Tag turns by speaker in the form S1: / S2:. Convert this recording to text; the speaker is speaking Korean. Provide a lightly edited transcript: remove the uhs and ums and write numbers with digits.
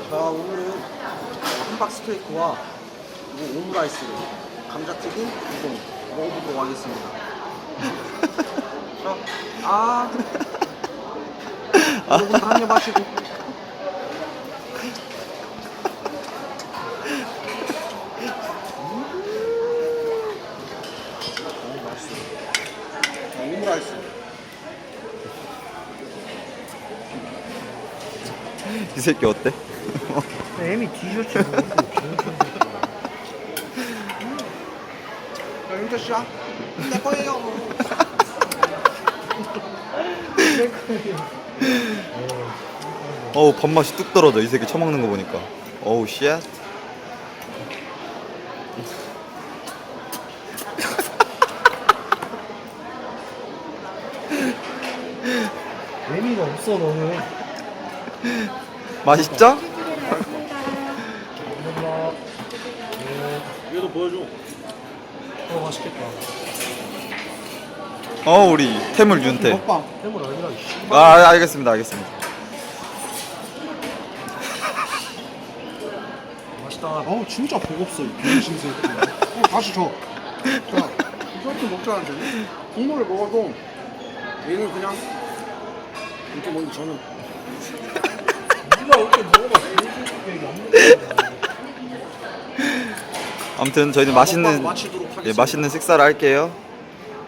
S1: 자, 오늘은 함박 스테이크와 오므라이스를 감자튀김 우동 먹어보도록 하겠습니다. 자, 여러분 한 입 하시고. 맛있어. 자, 오므라이스.
S2: 이 새끼 어때?
S3: 애미 뒤졌지 뭐.
S1: 자, 윤태 씨야. 내 거예요.
S2: 어우 밥맛이 뚝 떨어져 이 새끼 처먹는 거 보니까. 어우 쉣.
S3: 애미가 없어 너는.
S2: 맛있죠?
S3: 감사합니다.
S1: 얘도 보여줘.
S3: 맛있겠다.
S2: 우리 태물 윤태.
S1: 먹방.
S3: 해물 아니라 씨.
S2: 알겠습니다 알겠습니다.
S3: 맛있다.
S1: 진짜 배고팠어, 이 병신 새끼. 다시 줘. 자, 이렇게 먹자는데 국물을 먹어도 얘는 그냥 이렇게 먹는데 저는
S3: 네가 이렇게 먹어봐. 이게 안 먹어.
S2: 아무튼 저희는 맛있는
S1: 마치도록 하겠습니다.
S2: 맛있는 식사를 할게요.